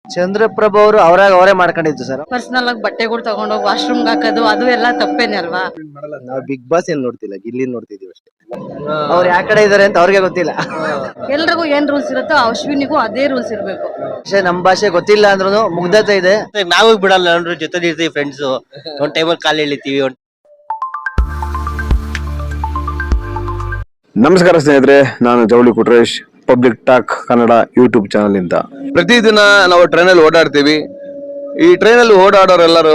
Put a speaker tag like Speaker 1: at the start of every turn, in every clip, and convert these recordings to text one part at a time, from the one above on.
Speaker 1: ಚಂದ್ರಪ್ರಭು ಅವರು ಅವರೇ ಮಾಡ್ಕೊಂಡಿದ್ದು ಸರ್.
Speaker 2: ಪರ್ಸನಲ್ ಆಗಿ ಬಟ್ಟೆಗಳು ತಗೊಂಡೋಗಿ ವಾಶ್ರೂಮ್ ಹಾಕೋದು ಅದು ಎಲ್ಲ ತಪ್ಪೇನೆ ಅಲ್ವಾ?
Speaker 1: ನಾವು ಬಿಗ್ ಬಾಸ್ ಏನ್ ನೋಡ್ತಿಲ್ಲ, ಗಿಲ್ಲಿ ನೋಡ್ತಿದೀವಿ ಅಷ್ಟೇ. ಅವ್ರು ಯಾವ ಕಡೆ ಇದಾರೆ ಅಂತ ಅವ್ರಿಗೆ ಗೊತ್ತಿಲ್ಲ.
Speaker 2: ಎಲ್ರಿಗೂ ಏನ್ ರೂಲ್ಸ್ ಇರುತ್ತೋ ಅಶ್ವಿನಿಗೂ ಅದೇ ರೂಲ್ಸ್ ಇರ್ಬೇಕು.
Speaker 1: ನಮ್ ಭಾಷೆ ಗೊತ್ತಿಲ್ಲ ಅಂದ್ರೂ ಮುಗ್ಧತೆ ಇದೆ.
Speaker 3: ನಾವು ಬಿಡಲ್ಲ, ಎಲ್ಲರೂ ಜೊತೆ ಇರ್ತೀವಿ ಫ್ರೆಂಡ್ಸ್. ಒಂದ್ ಟೈಮಲ್ಲಿ ಕಾಲ್ ಎಳಿತೀವಿ.
Speaker 4: ನಮಸ್ಕಾರ ಸ್ನೇಹಿತರೆ, ನಾನು Javali Kutresh, public talk Kannada YouTube channel ಇಂದ.
Speaker 5: ಪ್ರತಿದಿನ ನಾವು ಟ್ರೈನಲ್ಲಿ ಓಡಾಡ್ತೀವಿ. ಈ ಟ್ರೈನಲ್ಲಿ ಓಡಾಡೋರೆಲ್ಲರೂ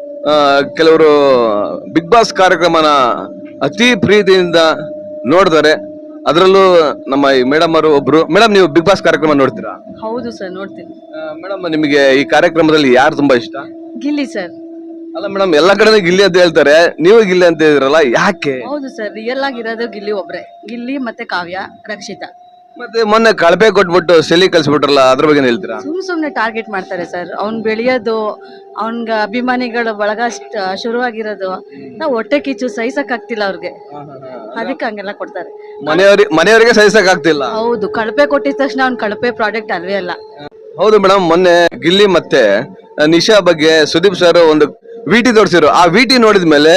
Speaker 5: ಕೆಲವರು ಬಿಗ್ ಬಾಸ್ ಕಾರ್ಯಕ್ರಮನ ಅತಿ ಪ್ರೀತಿಯಿಂದ ನೋಡ್ತಾರೆ. ಅದರಲ್ಲೂ ನಮ್ಮ ಈ ಮೇಡಮ್ ಅವರು ಒಬ್ರು. ಮೇಡಮ್, ನೀವು ಬಿಗ್ ಬಾಸ್ ಕಾರ್ಯಕ್ರಮ ನೋಡ್ತೀರಾ?
Speaker 2: ಹೌದು ಸರ್, ನೋಡ್ತೀನಿ.
Speaker 5: ಮೇಡಮ್, ನಿಮಗೆ ಈ ಕಾರ್ಯಕ್ರಮದಲ್ಲಿ ಯಾರು ತುಂಬಾ ಇಷ್ಟ?
Speaker 2: ಗಿಲ್ಲಿ ಸರ್.
Speaker 5: ಅಲ್ಲ ಮೇಡಮ್, ಎಲ್ಲಾ ಕಡೆ ಗಿಲ್ಲಿ ಅಂತ ಹೇಳ್ತಾರೆ, ನೀವು ಗಿಲ್ಲಿ ಅಂತ ಹೇಳಿದ್ರಲ್ಲ, ಯಾಕೆ?
Speaker 2: ಹೌದು ಸರ್, ರಿಯಲ್ ಆಗಿರೋದು ಗಿಲ್ಲಿ ಒಬ್ರೆ. ಗಿಲ್ಲಿ ಮತ್ತೆ ಕಾವ್ಯ, ರಕ್ಷಿತಾ.
Speaker 5: ಮತ್ತೆ ಮೊನ್ನೆ ಕಳಪೆ ಕೊಟ್ಬಿಟ್ಟು ಸೆಲಿ ಕಳ್ಸಿಬಿಟ್ರಲ್ಲ, ಅದ್ರ ಬಗ್ಗೆ ಹೇಳ್ತೀರಾ?
Speaker 2: ಸುಮ್ನೆ ಟಾರ್ಗೆಟ್ ಮಾಡ್ತಾರೆ ಸರ್. ಅವ್ನ್ ಬೆಳೆಯೋದು, ಅವನ್ಗ ಅಭಿಮಾನಿಗಳ ಬಳಗ ಶುರುವಾಗಿರೋದು, ನಾವು ಹೊಟ್ಟೆ ಕಿಚ್ಚು ಸಹಿಸಕ್ ಆಗ್ತಿಲ್ಲ ಅವ್ರಿಗೆ, ಅದಕ್ಕೆ ಹಂಗೆಲ್ಲ ಕೊಡ್ತಾರೆ.
Speaker 5: ಮನೆಯವರಿಗೆ ಸಹಿಸಕ್ ಆಗ್ತಿಲ್ಲ.
Speaker 2: ಹೌದು, ಕಳಪೆ ಕೊಟ್ಟಿದ ತಕ್ಷಣ ಅವ್ನ್ ಕಳಪೆ ಪ್ರಾಡಕ್ಟ್ ಅಲ್ವೇ ಅಲ್ಲ.
Speaker 5: ಹೌದು ಮೇಡಮ್, ಮೊನ್ನೆ ಗಿಲ್ಲಿ ಮತ್ತೆ ನಿಶಾ ಬಗ್ಗೆ ಸುದೀಪ್ ಸರ್ ಒಂದು ವಿಟಿ ತೋರಿಸಿರು. ಆ ವಿಟಿ ನೋಡಿದ್ಮೇಲೆ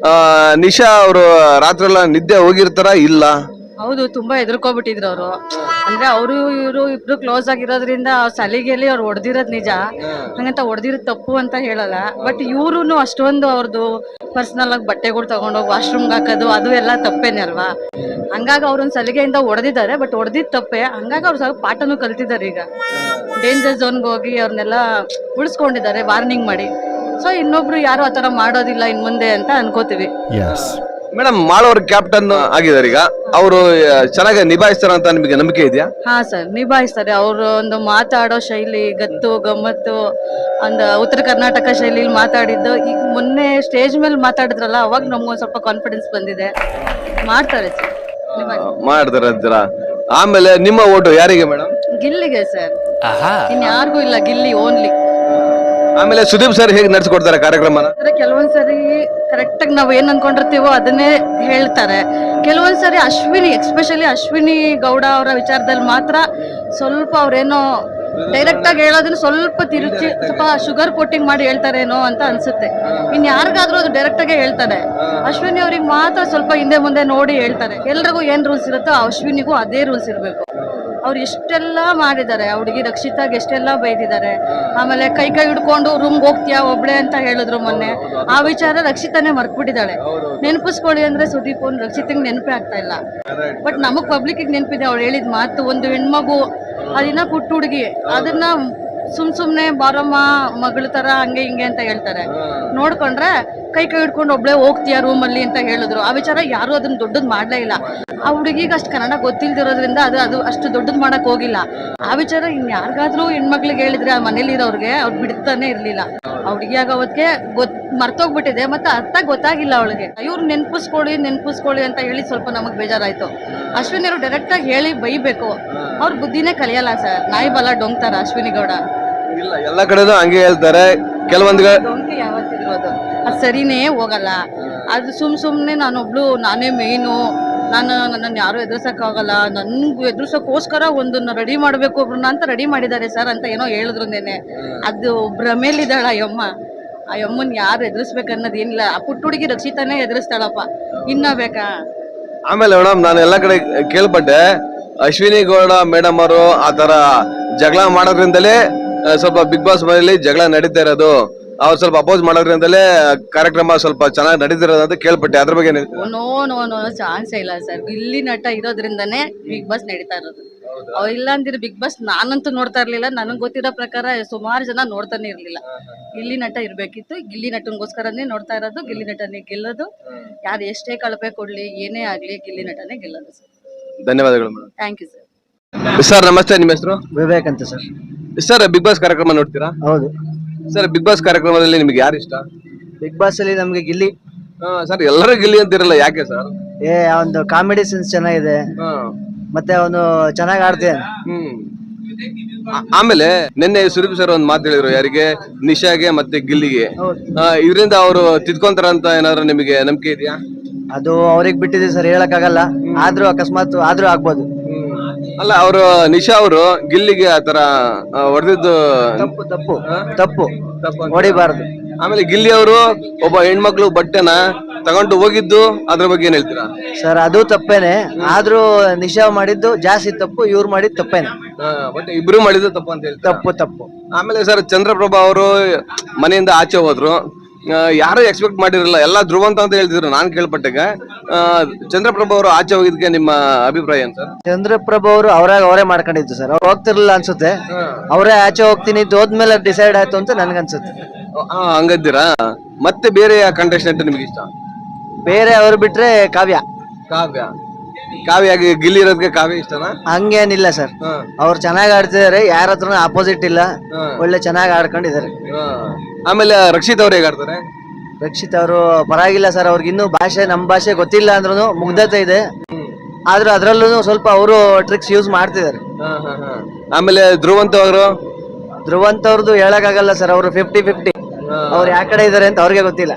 Speaker 5: ನಿಶಾ ಅವರು ರಾತ್ರಿ ಎಲ್ಲ ನಿದ್ದೆ ಹೋಗಿರ್ತಾರ ಇಲ್ಲ?
Speaker 2: ಹೌದು, ತುಂಬಾ ಎದುರ್ಕೊಬಿಟ್ಟಿದ್ರು ಅವರು. ಅಂದ್ರೆ ಅವರು ಇವರು ಇಬ್ರು ಕ್ಲೋಸ್ ಆಗಿರೋದ್ರಿಂದ ಸಲಿಗೆಯಲ್ಲಿ ಅವ್ರು ಹೊಡೆದಿರೋದ್ ನಿಜ, ಹಂಗಂತ ಹೊಡೆದಿರೋದ್ ತಪ್ಪು ಅಂತ ಹೇಳಲ್ಲ. ಬಟ್ ಇವ್ರು ಅಷ್ಟೊಂದು ಅವ್ರದ್ದು ಪರ್ಸನಲ್ ಆಗಿ ಬಟ್ಟೆಗಳು ತಗೊಂಡೋಗಿ ವಾಶ್ರೂಮ್ ಹಾಕೋದು ಅದು ಎಲ್ಲ ತಪ್ಪೇನೆ ಅಲ್ವಾ? ಹಂಗಾಗಿ ಅವ್ರೊಂದ್ ಸಲಿಗೆಯಿಂದ ಹೊಡೆದಿದ್ದಾರೆ, ಬಟ್ ಹೊಡೆದಿದ್ ತಪ್ಪೆ. ಹಂಗಾಗಿ ಅವ್ರು ಸ್ವಲ್ಪ ಪಾಠನೂ ಕಲ್ತಿದ್ದಾರೆ. ಈಗ ಡೇಂಜರ್ ಝೋನ್ಗೆ ಹೋಗಿ ಅವ್ರನ್ನೆಲ್ಲ ಉಳಿಸ್ಕೊಂಡಿದ್ದಾರೆ ವಾರ್ನಿಂಗ್ ಮಾಡಿ. ಸೊ ಇನ್ನೊಬ್ರು ಯಾರು ಆತರ ಮಾಡೋದಿಲ್ಲ ಇನ್ ಮುಂದೆ ಅಂತ ಅನ್ಕೋತೀವಿ.
Speaker 5: ಮೇಡಮ್, ಮಾಳವ್ರ ಕ್ಯಾಪ್ಟನ್ ಆಗಿದ್ದಾರೆ. ಈಗ ಅವರು ಚೆನ್ನಾಗಿ ನಿಭಾಯಿಸ್ತಾರ ಅಂತ ನಿಮಗೆ ನಂಬಿಕೆ ಇದೆಯಾ?
Speaker 2: ಹಾ ಸರ್, ನಿಭಾಯಿಸ್ತಾರೆ. ಅವರು ಒಂದು ಮಾತಾಡೋ ಶೈಲಿ, ಗತ್ತು ಗಮ್ಮತ್ತು, ಒಂದು ಉತ್ತರ ಕರ್ನಾಟಕ ಶೈಲಿಲಿ ಮಾತಾಡಿದ್ದು. ಈಗ ಮೊನ್ನೆ ಸ್ಟೇಜ್ ಮೇಲೆ ಮಾತಾಡಿದ್ರಲ್ಲ, ಅವಾಗ ನಮ್ಗೊಂದ್ ಸ್ವಲ್ಪ ಕಾನ್ಫಿಡೆನ್ಸ್ ಬಂದಿದೆ. ಮಾಡ್ತಾರೆ ಸರ್,
Speaker 5: ಮಾಡ್ತಾರೆ ಅಂತೀರ. ಆಮೇಲೆ ನಿಮ್ಮ ಓಟು ಯಾರಿಗೆ ಮೇಡಮ್?
Speaker 2: ಗಿಲ್ಲಿಗೆ ಸರ್, ಇನ್ಯಾರಿಗೂ ಇಲ್ಲ, ಗಿಲ್ಲಿ ಓನ್ಲಿ.
Speaker 5: ಆಮೇಲೆ ಸುದೀಪ್ ಸರ್ ಹೇಗೆ ನಡೆಸ್ಕೊಡ್ತಾರೆ ಕಾರ್ಯಕ್ರಮನ?
Speaker 2: ಕೆಲವೊಂದ್ಸರಿ ಕರೆಕ್ಟ್ ಆಗಿ ನಾವ್ ಏನ್ ಅನ್ಕೊಂಡಿರ್ತೀವೋ ಅದನ್ನೇ ಹೇಳ್ತಾರೆ. ಕೆಲವೊಂದ್ಸರಿ ಅಶ್ವಿನಿ, ಎಸ್ಪೆಷಲಿ ಅಶ್ವಿನಿ ಗೌಡ ಅವರ ವಿಚಾರದಲ್ಲಿ ಮಾತ್ರ ಸ್ವಲ್ಪ ಅವ್ರೇನೋ ಡೈರೆಕ್ಟ್ ಆಗಿ ಹೇಳೋದನ್ನ ಸ್ವಲ್ಪ ತಿರುಚಿ ಸ್ವಲ್ಪ ಶುಗರ್ ಕೋಟಿಂಗ್ ಮಾಡಿ ಹೇಳ್ತಾರೇನೋ ಅಂತ ಅನ್ಸುತ್ತೆ. ಇನ್ ಯಾರಿಗಾದ್ರೂ ಅದು ಡೈರೆಕ್ಟ್ ಆಗೇ ಹೇಳ್ತಾರೆ. ಅಶ್ವಿನಿ ಅವ್ರಿಗೆ ಮಾತ್ರ ಸ್ವಲ್ಪ ಹಿಂದೆ ಮುಂದೆ ನೋಡಿ ಹೇಳ್ತಾರೆ. ಎಲ್ರಿಗೂ ಏನ್ ರೂಲ್ಸ್ ಇರುತ್ತೋ ಅಶ್ವಿನಿಗೂ ಅದೇ ರೂಲ್ಸ್ ಇರ್ಬೇಕು. ಅವ್ರು ಎಷ್ಟೆಲ್ಲ ಮಾಡಿದ್ದಾರೆ, ಆ ಹುಡುಗಿ ರಕ್ಷಿತಾಗೆ ಎಷ್ಟೆಲ್ಲ ಬೈದಿದ್ದಾರೆ. ಆಮೇಲೆ ಕೈ ಹಿಡ್ಕೊಂಡು ರೂಮ್ಗೆ ಹೋಗ್ತೀಯಾ ಒಬ್ಳೆ ಅಂತ ಹೇಳಿದ್ರು ಮೊನ್ನೆ. ಆ ವಿಚಾರ ರಕ್ಷಿತಾನೇ ಮರ್ತ್ಬಿಟ್ಟಿದ್ದಾಳೆ. ನೆನಪಿಸ್ಕೊಳ್ಳಿ ಅಂದ್ರೆ ಸುದೀಪ್ ಅವ್ನು ರಕ್ಷಿತಂಗೆ ನೆನಪೇ ಆಗ್ತಾ ಇಲ್ಲ. ಬಟ್ ನಮಗ್ ಪಬ್ಲಿಕ್ ನೆನಪಿದೆ ಅವ್ಳು ಹೇಳಿದ ಮಾತು. ಒಂದು ಹೆಣ್ಮಗು, ಅದಿನ್ನ ಪುಟ್ಟ ಹುಡುಗಿ, ಅದನ್ನ ಸುಮ್ನೆ ಬಾರಮ್ಮ ಮಗಳ ತರ ಹಂಗೆ ಹಿಂಗೆ ಅಂತ ಹೇಳ್ತಾರೆ. ನೋಡ್ಕೊಂಡ್ರೆ ಕೈ ಹಿಡ್ಕೊಂಡು ಒಬ್ಳೆ ಹೋಗ್ತೀಯಾ ರೂಮಲ್ಲಿ ಅಂತ ಹೇಳಿದ್ರು. ಆ ವಿಚಾರ ಯಾರು ಅದನ್ನ ದೊಡ್ಡದ್ ಮಾಡ್ಲೇ ಇಲ್ಲ. ಆ ಹುಡುಗಿಗೆ ಅಷ್ಟು ಕನ್ನಡ ಗೊತ್ತಿಲ್ದಿರೋದ್ರಿಂದ ಅದು ಅಷ್ಟು ದೊಡ್ಡದ್ ಮಾಡಕ್ ಹೋಗಿಲ್ಲ. ಆ ವಿಚಾರ ಇನ್ಯಾರಿಗಾದ್ರೂ ಹೆಣ್ಮಕ್ಳಿಗೆ ಹೇಳಿದ್ರೆ ಆ ಮನೇಲಿ ಇರೋರ್ಗೆ ಅವ್ರು ಬಿಡ್ತಾನೆ ಇರ್ಲಿಲ್ಲ. ಆ ಹುಡುಗಿಯಾಗ ಅವತ್ತಿಗೆ ಮರ್ತೋಗ್ಬಿಟ್ಟಿದೆ, ಮತ್ತೆ ಅರ್ಥ ಗೊತ್ತಾಗಿಲ್ಲ ಅವಳಿಗೆ. ಇವ್ರು ನೆನ್ಪಿಸ್ಕೊಳ್ಳಿ ಅಂತ ಹೇಳಿ ಸ್ವಲ್ಪ ನಮಗ್ ಬೇಜಾರಾಯ್ತು. ಅಶ್ವಿನಿ ಅವರು ಡೈರೆಕ್ಟ್ ಆಗಿ ಹೇಳಿ ಬೈಬೇಕು. ಅವ್ರ ಬುದ್ಧಿನೇ ಕಲಿಯಲ್ಲ ಸರ್. ನಾಯಿ ಬಲ ಡೊಂಗ್ತಾರ ಅಶ್ವಿನಿ ಗೌಡ.
Speaker 5: ಇಲ್ಲ, ಎಲ್ಲ ಕಡೆನೂ ಹಂಗೆ ಹೇಳ್ತಾರೆ. ಕೆಲವೊಂದು
Speaker 2: ಡೊಂಕಿ ಯಾವತ್ತಿದ್ರು ಅದು ಸರಿನೇ ಹೋಗಲ್ಲ. ಅದು ಸುಮ್ನೆ ನಾನೇ ಮೇಯ್ನು, ನನ್ನನ್ನು ಯಾರು ಎದುರಿಸಕ್ ಆಗಲ್ಲ, ನನ್ಗೆ ಎದುರಿಸೋಕೋಸ್ಕರ ಒಂದನ್ನ ರೆಡಿ ಮಾಡ್ಬೇಕು ಒಬ್ರನ್ನ ಅಂತ ರೆಡಿ ಮಾಡಿದ್ದಾರೆ ಸರ್ ಅಂತ ಏನೋ ಹೇಳಿದ್ರು ನೆನೆ. ಅದು ಭ್ರಮೇಲಿದ್ದಾಳ ಆ ಯಮ್ಮನ್ ಯಾರು ಎದುರಿಸ್ಬೇಕನ್ನೋದು ಏನಿಲ್ಲ. ಆ ಪುಟ್ಟ ಹುಡುಗಿ ರಕ್ಷಿತಾನೇ ಎದುರಿಸ್ತಾಳಪ್ಪ, ಇನ್ನ ಬೇಕಾ?
Speaker 5: ಆಮೇಲೆ ಮೇಡಮ್, ನಾನು ಎಲ್ಲ ಕಡೆ ಕೇಳ್ಪಟ್ಟೆ, ಅಶ್ವಿನಿ ಗೌಡ ಮೇಡಮ್ ಅವರು ಆತರ ಜಗಳ ಮಾಡೋದ್ರಿಂದಲೇ ಸ್ವಲ್ಪ ಬಿಗ್ ಬಾಸ್ ಮನೆಯಲ್ಲಿ ಜಗಳ ನಡೀತಾ ಇರೋದು. ಅವ್ರು ಸ್ವಲ್ಪ ಅಪೋಸ್ ಮಾಡೋದ್ರಿಂದಲೇ ಕಾರ್ಯಕ್ರಮ ಸ್ವಲ್ಪ ಚೆನ್ನಾಗಿ ನಡೀತಿರೋದು ಅಂತ ಕೇಳ್ಪಟ್ಟೆ. ಅದ್ರ ಬಗ್ಗೆ
Speaker 2: ನೋ ಚಾನ್ಸೇ ಇಲ್ಲ ಸರ್. ಗಿಲ್ಲಿ ನಟ ಇರೋದ್ರಿಂದನೇ ಬಿಗ್ ಬಾಸ್ ನಡೀತಾ ಇರೋದು. ಅವ್ರು ಇಲ್ಲ ಅಂದಿರ ಬಿಗ್ ಬಾಸ್ ನಾನಂತೂ ನೋಡ್ತಾ ಇರ್ಲಿಲ್ಲ. ನನಗ್ ಗೊತ್ತಿರೋ ಪ್ರಕಾರ ಸುಮಾರು ಜನ ನೋಡ್ತಾನೆ ಇರ್ಲಿಲ್ಲ. ಗಿಲ್ಲಿ ನಟ ಇರ್ಬೇಕಿತ್ತು. ಗಿಲ್ಲಿ ನಟನ್ಗೋಸ್ಕರನೇ ನೋಡ್ತಾ ಇರೋದು. ಗಿಲ್ಲಿ ನಟನೇ ಗೆಲ್ಲೋದು. ಯಾರು ಎಷ್ಟೇ ಕಳಪೆ ಕೊಡ್ಲಿ, ಏನೇ ಆಗ್ಲಿ, ಗಿಲ್ಲಿ ನಟನೇ ಗೆಲ್ಲೋದು ಸರ್.
Speaker 5: ಧನ್ಯವಾದಗಳು madam.
Speaker 2: Thank you sir.
Speaker 5: Sir ನಮಸ್ತೆ, ನಿಮ್ಮ ಹೆಸರು?
Speaker 1: ವಿವೇಕ್ ಅಂತ ಸರ್.
Speaker 5: ಸರ್, ಬಿಗ್ ಬಾಸ್ ಕಾರ್ಯಕ್ರಮ ನೋಡ್ತೀರಾ?
Speaker 1: ಹೌದು
Speaker 5: ಸರ್. ಬಿಗ್ ಬಾಸ್ ಕಾರ್ಯಕ್ರಮದಲ್ಲಿ ನಿಮ್ಗೆ ಯಾರು ಇಷ್ಟ?
Speaker 1: ಬಿಗ್ ಬಾಸ್ ಅಲ್ಲಿ ನಮ್ಗೆ ಗಿಲ್ಲಿ.
Speaker 5: ಸರ್, ಎಲ್ಲರೂ ಗಿಲ್ಲಿ ಅಂತಿರಲ್ಲ, ಯಾಕೆ ಸರ್?
Speaker 1: ಒಂದು ಕಾಮಿಡಿ ಸೆನ್ಸ್ ಚೆನ್ನಾಗಿದೆ, ಮತ್ತೆ ಅವನು ಚೆನ್ನಾಗಿ ಆಡ್ತೇನೆ.
Speaker 5: ಆಮೇಲೆ ನಿನ್ನೆ ಸುದೀಪ್ ಸರ್ ಒಂದ್ ಮಾತು ಹೇಳಿದ್ರು, ಯಾರಿಗೆ? ನಿಶಾಗೆ ಮತ್ತೆ ಗಿಲ್ಲಿಗೆ. ಇದರಿಂದ ಅವರು ತಿದ್ಕೊಂತಾರ ಅಂತ ಏನಾದ್ರು ನಿಮಗೆ ನಂಬಿಕೆ ಇದೆಯಾ?
Speaker 1: ಅದು ಅವ್ರಿಗೆ ಬಿಟ್ಟಿದೆ ಸರ್, ಹೇಳಕ್ ಆಗಲ್ಲ. ಆದ್ರೂ ಅಕಸ್ಮಾತ್ ಆದ್ರೂ ಆಗ್ಬೋದು.
Speaker 5: ಅಲ್ಲ ಅವರು ನಿಶಾ ಅವರು ಗಿಲ್ಲಿಗೆ ಆತರ ಹೊಡೆದಿದ್ದು
Speaker 1: ತಪ್ಪು ತಪ್ಪು ತಪ್ಪು ಹೊಡಿಬಾರ್ದು.
Speaker 5: ಆಮೇಲೆ ಗಿಲ್ಲಿ ಅವರು ಒಬ್ಬ ಹೆಣ್ಮಕ್ಳು ಬಟ್ಟೆನ ತಗೊಂಡು ಹೋಗಿದ್ದು ಅದ್ರ ಬಗ್ಗೆ ಏನ್ ಹೇಳ್ತೀರಾ?
Speaker 1: ಸರ್ ಅದು ತಪ್ಪೇನೆ, ಆದ್ರೂ ನಿಶಾ ಮಾಡಿದ್ದು ಜಾಸ್ತಿ ತಪ್ಪು, ಇವ್ರು ಮಾಡಿದ್ದು ತಪ್ಪೇನೆ.
Speaker 5: ಬಟ್ ಇಬ್ರು ಮಾಡಿದ್ದು ತಪ್ಪು ಅಂತ ಹೇಳ್ತಾರೆ.
Speaker 1: ತಪ್ಪು ತಪ್ಪು.
Speaker 5: ಆಮೇಲೆ ಸರ್ ಚಂದ್ರಪ್ರಭಾ ಅವರು ಮನೆಯಿಂದ ಆಚೆ ಹೋದ್ರು, ಯಾರು ಎಕ್ಸ್ಪೆಕ್ಟ್ ಮಾಡಿರಲಿಲ್ಲ, ಎಲ್ಲ ಧ್ರುವಂತ ಅಂತ ಹೇಳ್ತಿದ್ರು ನಾನ್ ಕೇಳ್ಪಟ್ಟಾಗ. ಚಂದ್ರಪ್ರಭಾ ಅವರು ಆಚೆ ಹೋಗಿದ್ಕೆ ನಿಮ್ಮ ಅಭಿಪ್ರಾಯ ಏನ್ ಸರ್?
Speaker 1: ಚಂದ್ರಪ್ರಭು ಅವರು ಅವರೇ ಮಾಡ್ಕೊಂಡಿದ್ದು ಸರ್, ಅವ್ರು ಹೋಗ್ತಿರ್ಲಿಲ್ಲ ಅನ್ಸುತ್ತೆ, ಅವರೇ ಆಚೆ ಹೋಗ್ತೀನಿ ಹೋದ್ಮೇಲೆ ಡಿಸೈಡ್ ಆಯ್ತು ಅಂತ ನನ್ಗನ್ಸುತ್ತೆ.
Speaker 5: ಹಂಗದ್ದೀರಾ? ಮತ್ತೆ ಬೇರೆ ಕಂಟೆಸ್ಟೆಂಟ್ ನಿಮ್ಗೆ ಇಷ್ಟ?
Speaker 1: ಬೇರೆ ಅವ್ರು ಬಿಟ್ರೆ ಕಾವ್ಯ.
Speaker 5: ಕಾವ್ಯಾಗಿ ಗಿಲ್ಲಿ ಇರೋದಕ್ಕೆ ಕಾವ್ಯ ಇಷ್ಟನಾ?
Speaker 1: ಹಂಗೇನಿಲ್ಲ ಸರ್, ಅವ್ರು ಚೆನ್ನಾಗಿ ಆಡ್ತಿದಾರೆ, ಯಾರ ಹತ್ರನೂ ಆಪೋಸಿಟ್ ಇಲ್ಲ, ಒಳ್ಳೆ ಚೆನ್ನಾಗಿ ಆಡ್ಕೊಂಡಿದ್ದಾರೆ.
Speaker 5: ಆಮೇಲೆ ರಕ್ಷಿತ್ ಅವ್ರು ಹೇಗಾಡ್ತಾರೆ?
Speaker 1: ರಕ್ಷಿತ್ ಅವರು ಪರವಾಗಿಲ್ಲ ಸರ್, ಅವ್ರಿಗೆ ಇನ್ನೂ ಭಾಷೆ ನಮ್ ಭಾಷೆ ಗೊತ್ತಿಲ್ಲ ಅಂದ್ರೂ ಮುಗ್ಧತೆ ಇದೆ, ಆದ್ರೂ ಅದ್ರಲ್ಲೂ ಸ್ವಲ್ಪ ಅವರು ಟ್ರಿಕ್ಸ್ ಯೂಸ್ ಮಾಡ್ತಿದ್ದಾರೆ.
Speaker 5: ಆಮೇಲೆ ಧ್ರುವಂತ ಅವರು?
Speaker 1: ಧ್ರುವಂತ್ ಅವ್ರದ್ದು ಹೇಳಕ್ಕಾಗಲ್ಲ ಸರ್, ಅವರು 50-50, ಅವ್ರು ಯಾವ ಕಡೆ ಇದಾರೆ ಅಂತ ಅವ್ರಿಗೆ ಗೊತ್ತಿಲ್ಲ.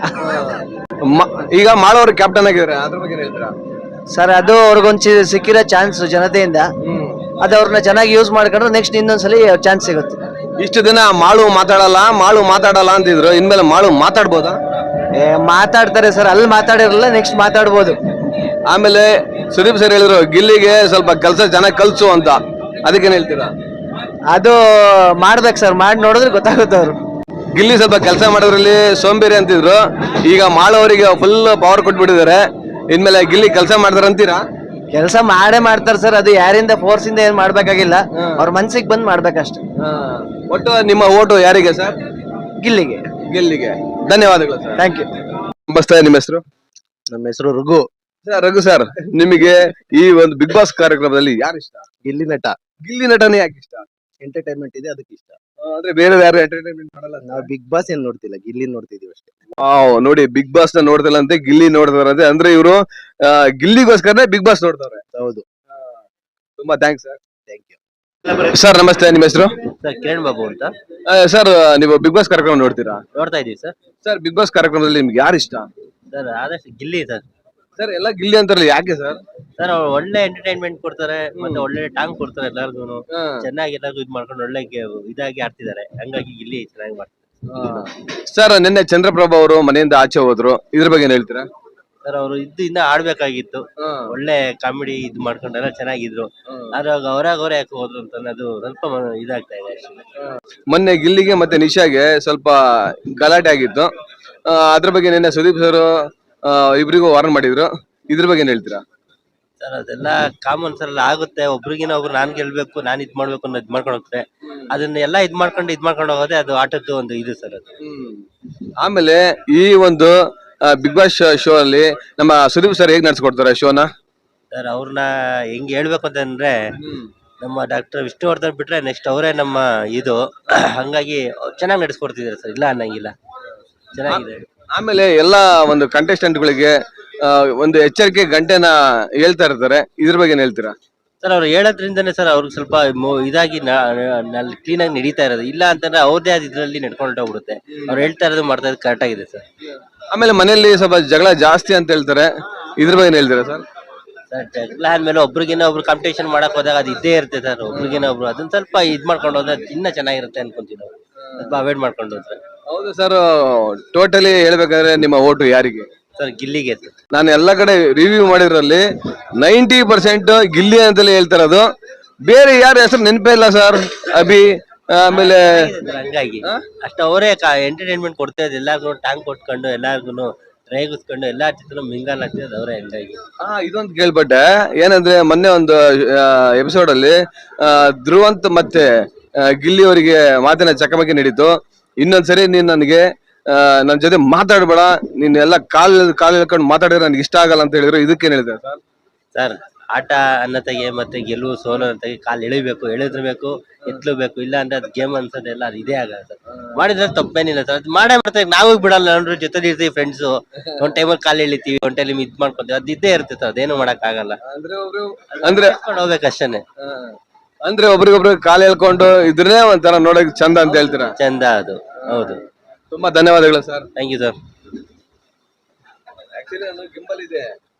Speaker 5: ಈಗ ಮಾಡೋರು ಕ್ಯಾಪ್ಟನ್ ಆಗಿದ್ದಾರೆ, ಅದ್ರ ಬಗ್ಗೆ ಹೇಳ್ತೀರಾ
Speaker 1: ಸರ್? ಅದು ಅವ್ರಿಗೊಂದು ಸಿಕ್ಕಿರೋ ಚಾನ್ಸ್ ಜನತೆಯಿಂದ, ಅದು ಅವ್ರನ್ನ ಚೆನ್ನಾಗಿ ಯೂಸ್ ಮಾಡ್ಕೊಂಡ್ರೆ ನೆಕ್ಸ್ಟ್ ಇನ್ನೊಂದ್ಸಲಿ ಚಾನ್ಸ್ ಸಿಗುತ್ತೆ.
Speaker 5: ಇಷ್ಟು ದಿನ ಮಾಳು ಮಾತಾಡಲ್ಲ ಅಂತಿದ್ರು, ಇನ್ಮೇಲೆ ಮಾಳು ಮಾತಾಡ್ಬೋದಾ?
Speaker 1: ಮಾತಾಡ್ತಾರೆ ಸರ್, ಅಲ್ಲಿ ಮಾತಾಡಿರಲ್ಲ, ನೆಕ್ಸ್ಟ್ ಮಾತಾಡ್ಬೋದು.
Speaker 5: ಆಮೇಲೆ ಸುದೀಪ್ ಸರ್ ಹೇಳಿದ್ರು ಗಿಲ್ಲಿಗೆ ಸ್ವಲ್ಪ ಕೆಲಸ ಚೆನ್ನಾಗಿ ಕಲ್ಸು ಅಂತ, ಅದಕ್ಕೇನ್ ಹೇಳ್ತೀರಾ?
Speaker 1: ಅದು ಮಾಡ್ಬೇಕು ಸರ್, ಮಾಡಿ ನೋಡಿದ್ರೆ ಗೊತ್ತಾಗುತ್ತೆ. ಅವ್ರು
Speaker 5: ಗಿಲ್ಲಿ ಸ್ವಲ್ಪ ಕೆಲಸ ಮಾಡೋದ್ರಲ್ಲಿ ಸೋಂಬೇರಿ ಅಂತಿದ್ರು, ಈಗ ಮಾಳು ಅವರಿಗೆ ಫುಲ್ ಪವರ್ ಕೊಟ್ಬಿಟ್ಟಿದ್ದಾರೆ, ಇನ್ಮೇಲೆ ಗಿಲ್ಲಿ ಕೆಲಸ ಮಾಡ್ತಾರ ಅಂತೀರಾ?
Speaker 1: ಕೆಲಸ ಮಾಡೇ ಮಾಡ್ತಾರೆ ಸರ್, ಅದು ಯಾರಿಂದ ಫೋರ್ಸ್ ಇಂದ ಏನ್ ಮಾಡ್ಬೇಕಾಗಿಲ್ಲ, ಅವ್ರ ಮನ್ಸಿಗೆ ಬಂದ್ ಮಾಡ್ಬೇಕಷ್ಟೆ.
Speaker 5: ಒಟ್ಟು ನಿಮ್ಮ ಓಟು ಯಾರಿಗೆ ಸರ್?
Speaker 1: ಗಿಲ್ಲಿಗೆ.
Speaker 5: ಧನ್ಯವಾದಗಳು ಸರ್.
Speaker 1: Thank you.
Speaker 5: ನಮಸ್ತೆ, ನಿಮ್ಮ ಹೆಸರು?
Speaker 1: ನಮ್ಮ ಹೆಸರು ರಘು.
Speaker 5: ರಘು ಸರ್, ನಿಮಗೆ ಈ ಒಂದು ಬಿಗ್ ಬಾಸ್ ಕಾರ್ಯಕ್ರಮದಲ್ಲಿ ಯಾರು ಇಷ್ಟ?
Speaker 1: ಗಿಲ್ಲಿ ನಟ.
Speaker 5: ಗಿಲ್ಲಿ ನಟನೆ ಯಾಕೆ ಇಷ್ಟ?
Speaker 1: ಎಂಟರ್ಟೈನ್ಮೆಂಟ್ ಇದೆ, ಅದಕ್ಕೆ ಇಷ್ಟ.
Speaker 5: ಅಂದ್ರೆ ಬೇರೆ ಯಾರು ಎಂಟರ್ಟೈನ್ಮೆಂಟ್ ಮಾಡಲ್ಲ?
Speaker 1: ನಾವು ಬಿಗ್ ಬಾಸ್ ಏನ್ ನೋಡ್ತಿಲ್ಲ, ಗಿಲ್ಲಿ ನೋಡ್ತಿದೀವಿ ಅಷ್ಟೇ.
Speaker 5: ನೋಡಿ, ಬಿಗ್ ಬಾಸ್ ನ ನೋಡ್ತಿಲ್ಲ ಅಂತೆ, ಗಿಲ್ಲಿ ನೋಡ್ತಾರಂತೆ. ಅಂದ್ರೆ ಇವರು ಗಿಲ್ಲಿಗೋಸ್ಕರನೇ ಬಿಗ್ ಬಾಸ್ ನೋಡ್ತಾರೆ.
Speaker 1: ಹೌದು.
Speaker 5: ತುಂಬಾ thanks sir.
Speaker 1: Thank you
Speaker 5: sir. ನಮಸ್ತೆ, ನಿಮ್ಮ ಹೆಸರು?
Speaker 3: ಸರ್ ಕಿರಣ್ ಬಾಬು ಅಂತ.
Speaker 5: ಸರ್, ನೀವು ಬಿಗ್ ಬಾಸ್ ಕಾರ್ಯಕ್ರಮ ನೋಡ್ತೀರಾ?
Speaker 3: ನೋಡ್ತಾ ಇದೀವಿ ಸರ್.
Speaker 5: ಸರ್, ಬಿಗ್ ಬಾಸ್ ಕಾರ್ಯಕ್ರಮದಲ್ಲಿ ನಿಮ್ಗೆ ಯಾರು ಇಷ್ಟ?
Speaker 3: ಸರ್ ಆದಷ್ಟು ಗಿಲ್ಲಿ ಸರ್.
Speaker 5: ಸರ್, ಎಲ್ಲ ಗಿಲ್ಲಿ ಅಂತಾರಲ್ಲ, ಯಾಕೆ ಸರ್?
Speaker 3: ಸರ್ ಅವ್ರು ಒಳ್ಳೆ ಎಂಟರ್ಟೈನ್ಮೆಂಟ್ ಕೊಡ್ತಾರೆ, ಮತ್ತೆ ಒಳ್ಳೆ ಟಾಂಗ್ ಕೊಡ್ತಾರೆ, ಎಲ್ಲಾರ್ಗು ಚೆನ್ನಾಗಿ ಎಲ್ಲಾರ್ಗು ಇದ್ ಮಾಡ್ಕೊಂಡು ಒಳ್ಳೆ ಇದಾಗಿ ಆಡ್ತಿದ್ದಾರೆ, ಹಂಗಾಗಿ ಗಿಲ್ಲಿ ಚೆನ್ನಾಗಿ ಮಾಡ್ತಾರೆ.
Speaker 5: ಸರ್, ನಿನ್ನೆ ಚಂದ್ರಪ್ರಭಾ ಅವರು ಮನೆಯಿಂದ ಆಚೆ ಹೋದ್ರು, ಇದ್ರ ಬಗ್ಗೆ ಏನ್ ಹೇಳ್ತೀರಾ?
Speaker 3: ಸರ್ ಅವರು ಇನ್ನ ಆಡ್ಬೇಕಾಗಿತ್ತು, ಒಳ್ಳೆ ಕಾಮಿಡಿ ಇದ್ ಮಾಡ್ಕೊಂಡೆಲ್ಲ ಚೆನ್ನಾಗಿದ್ರು, ಆದ್ರೆ ಅವರೇ ಯಾಕೆ ಹೋದ್ರು ಅಂತ ಅದು ಸ್ವಲ್ಪ ಇದಾಗ್ತಾ ಇದೆ ಅಷ್ಟೇ.
Speaker 5: ಮೊನ್ನೆ ಗಿಲ್ಲಿಗೆ ಮತ್ತೆ ನಿಶಾಗೆ ಸ್ವಲ್ಪ ಗಲಾಟೆ ಆಗಿತ್ತು, ಅದ್ರ ಬಗ್ಗೆ ನಿನ್ನೆ ಸುದೀಪ್ ಸರ್ ಇಬ್ರಿಗೂ ವಾರ್ನ್ ಮಾಡಿದ್ರು, ಇದ್ರ ಬಗ್ಗೆ ಏನ್ ಹೇಳ್ತೀರಾ?
Speaker 3: ಸರ್ ಅದೆಲ್ಲ ಕಾಮನ್ ಸರ್, ಆಗುತ್ತೆ, ಒಬ್ರಿಗಿನ ಒಬ್ರು ನಾನ್ ಗೆಲ್ಬೇಕು, ನಾನ್ ಇದ್ ಮಾಡ್ಬೇಕು ಅನ್ನೋ ಇದ್ ಮಾಡ್ಕೊಂಡು ಹೋಗ್ತಾರೆ, ಅದನ್ನೆಲ್ಲ ಇದ್ ಮಾಡ್ಕೊಂಡು ಹೋಗೋದೇ ಅದು ಆಟದ್ದು ಒಂದು ಇದು ಸರ್ ಅದು.
Speaker 5: ಆಮೇಲೆ ಈ ಒಂದು ಬಿಗ್ ಬಾಸ್ ಶೋ ಅಲ್ಲಿ ನಮ್ಮ ಸುದೀಪ್ ಸರ್ ಹೇಗ್ ನಡ್ಸ್ಕೊಡ್ತಾರೆ ಶೋನ?
Speaker 3: ಸರ್ ಅವ್ರನ್ನ ಹೆಂಗ್ ಹೇಳ್ಬೇಕು ಅಂತಂದ್ರೆ, ನಮ್ಮ ಡಾಕ್ಟರ್ ವಿಷ್ಣುವರ್ಧನ್ ಬಿಟ್ರೆ ನೆಕ್ಸ್ಟ್ ಅವರೇ ನಮ್ಮ ಇದು, ಹಂಗಾಗಿ ಚೆನ್ನಾಗಿ ನಡೆಸ್ಕೊಡ್ತಿದ್ದಾರೆ ಸರ್, ಇಲ್ಲ ಅನ್ನಂಗಿಲ್ಲ, ಚೆನ್ನಾಗಿದೆ.
Speaker 5: ಆಮೇಲೆ ಎಲ್ಲಾ ಒಂದು ಕಂಟೆಸ್ಟೆಂಟ್ ಗಳಿಗೆ ಒಂದು ಎಚ್ಚರಿಕೆ ಗಂಟೆನ ಹೇಳ್ತಾ ಇರ್ತಾರೆ, ಇದ್ರ ಬಗ್ಗೆ ಏನ್ ಹೇಳ್ತೀರಾ?
Speaker 3: ಸರ್ ಅವ್ರು ಹೇಳೋದ್ರಿಂದನೇ ಸರ್ ಅವ್ರಿಗೆ ಸ್ವಲ್ಪ ಇದಾಗಿ ಕ್ಲೀನ್ ಆಗಿ ನಡೀತಾ ಇರೋದು, ಇಲ್ಲ ಅಂತಂದ್ರೆ ಅವ್ರದೇ ಆದ ಇದ್ರಲ್ಲಿ ನಡ್ಕೊಂಡು ಹೋಗ್ಬಿಡುತ್ತೆ. ಅವ್ರು ಹೇಳ್ತಾ ಇರೋದು ಮಾಡ್ತಾ ಇರೋದು ಕರೆಕ್ಟ್ ಆಗಿದೆ ಸರ್.
Speaker 5: ಆಮೇಲೆ ಮನೆಯಲ್ಲಿ ಸ್ವಲ್ಪ ಜಗಳ ಜಾಸ್ತಿ ಅಂತ ಹೇಳ್ತಾರೆ, ಇದ್ರ ಬಗ್ಗೆ ಏನ್ ಹೇಳ್ತೀರಾ ಸರ್?
Speaker 3: ಸರ್ ಜಗಳ ಆದ್ಮೇಲೆ ಒಬ್ರಿಗಿನ್ನ ಒಬ್ರು ಕಾಂಪಿಟೇಷನ್ ಮಾಡಕ್ ಹೋದಾಗ ಅದು ಇದ್ದೇ ಇರುತ್ತೆ ಸರ್, ಒಬ್ರಿಗಿನ್ನ ಒಬ್ರು ಅದನ್ನ ಸ್ವಲ್ಪ ಇದ್ ಮಾಡ್ಕೊಂಡು ಹೋದ್ರೆ ಇನ್ನ ಚೆನ್ನಾಗಿರುತ್ತೆ ಅನ್ಕೊಂತೀವಿ ನಾವು, ಸ್ವಲ್ಪ ಅವಾಯ್ಡ್ ಮಾಡ್ಕೊಂಡು ಹೋದ್ರೆ.
Speaker 5: ಹೌದು ಸರ್, ಟೋಟಲಿ ಹೇಳ್ಬೇಕಾದ್ರೆ ನಿಮ್ಮ ಓಟು ಯಾರಿಗೆ?
Speaker 3: ಸರ್ ಗಿಲ್ಲಿಗೆ ಸರ್.
Speaker 5: ನಾನು ಎಲ್ಲಾ ಕಡೆ ರಿವ್ಯೂ ಮಾಡಿದ್ರಲ್ಲಿ 90% ಗಿಲ್ಲಿ ಅಂತಲೇ ಹೇಳ್ತಾರದು, ಬೇರೆ ಯಾರ ಹೆಸರು ನೆನಪೇ ಇಲ್ಲ ಸರ್. ಅಭಿ, ಆಮೇಲೆ
Speaker 3: ಹಂಗಾಗಿ ಅಷ್ಟ ಅವರೇ ಎಂಟರ್ಟೈನ್ಮೆಂಟ್ ಕೊಡ್ತಾ ಇದ್ ಎಲ್ಲಾರ್ಗು ಟ್ಯಾಂಕ್ ಕೊಟ್ಕೊಂಡು ಎಲ್ಲಾರ್ಗು ರೇಗಿಸ್ಕೊಂಡು ಎಲ್ಲಾ ಚಿತ್ರ ಮಿಂಗಲ್ ಆಗ್ತಿರೋದು ಅವರೇ, ಹಂಗಾಗಿ.
Speaker 5: ಇದೊಂದು ಕೇಳ್ಪಟ್ಟೆ, ಏನಂದ್ರೆ ಮೊನ್ನೆ ಒಂದು ಎಪಿಸೋಡ್ ಅಲ್ಲಿ ಧ್ರುವಂತ್ ಮತ್ತೆ ಗಿಲ್ಲಿ ಅವರಿಗೆ ಮಾತಿನ ಚಕಮಕಿ ನಡೀತು. ಇನ್ನೊಂದ್ಸರಿ ನೀನ್ ನನಗೆ ನನ್ ಜೊತೆ ಮಾತಾಡ್ಬೇಡ, ನೀನ್ ಎಲ್ಲ ಕಾಲ್ ಹೇಳ್ಕೊಂಡು ಮಾತಾಡಿದ್ರೆ ನನ್ಗೆ ಇಷ್ಟ ಆಗಲ್ಲ ಅಂತ ಹೇಳಿದ್ರು, ಇದಕ್ಕೇನ್ ಹೇಳಿದ್ರೆ ಸರ್?
Speaker 3: ಸರ್ ಆಟ ಅನ್ನತೆಗೆ ಮತ್ತೆ ಗೆಲುವು ಸೋಲು ಅನ್ನತೆಗೆ ಕಾಲ್ ಎಳಿಬೇಕು, ಎತ್ಲಬೇಕು, ಇಲ್ಲ ಅಂದ್ರೆ ಅದ್ ಗೇಮ್ ಅನ್ಸೋದೆಲ್ಲ ಅದು ಇದೇ ಆಗಲ್ಲ ಸರ್. ಮಾಡಿದ್ರೆ ತಪ್ಪೇನಿಲ್ಲ ಸರ್, ಅದು ಮಾಡ್ತಾರೆ, ನಾವು ಬಿಡಲ್ಲ, ನೋಡ್ರಿ ಜೊತೆ ಇರ್ತೀವಿ ಫ್ರೆಂಡ್ಸ್, ಒಂದ್ ಟೈಮಲ್ಲಿ ಕಾಲ್ ಎಳಿತೀವಿ, ಒಂದ್ ಟೈಮ್ ಇದ್ ಮಾಡ್ಕೊಂತೀವಿ, ಅದು ಇದ್ದೇ ಇರುತ್ತೆ ಸರ್, ಅದೇನು ಮಾಡಕ್ ಆಗಲ್ಲ,
Speaker 5: ಅಂದ್ರೆ
Speaker 3: ಹೋಗ್ಬೇಕಷ್ಟೇನೆ.
Speaker 5: ಅಂದ್ರೆ ಒಬ್ರಿಗೊಬ್ರು ಕಾಲ್ ಹೇಳ್ಕೊಂಡು ಇದ್ರೆ ಒಂಥರ ನೋಡಕ್ ಚಂದ ಅಂತ ಹೇಳ್ತೀರಾ?
Speaker 3: ಚಂದ ಅದು, ಹೌದು.
Speaker 5: ತುಂಬಾ ಧನ್ಯವಾದಗಳು sir.
Speaker 3: Thank you sir.
Speaker 5: Actually gimbal ಇದೆ.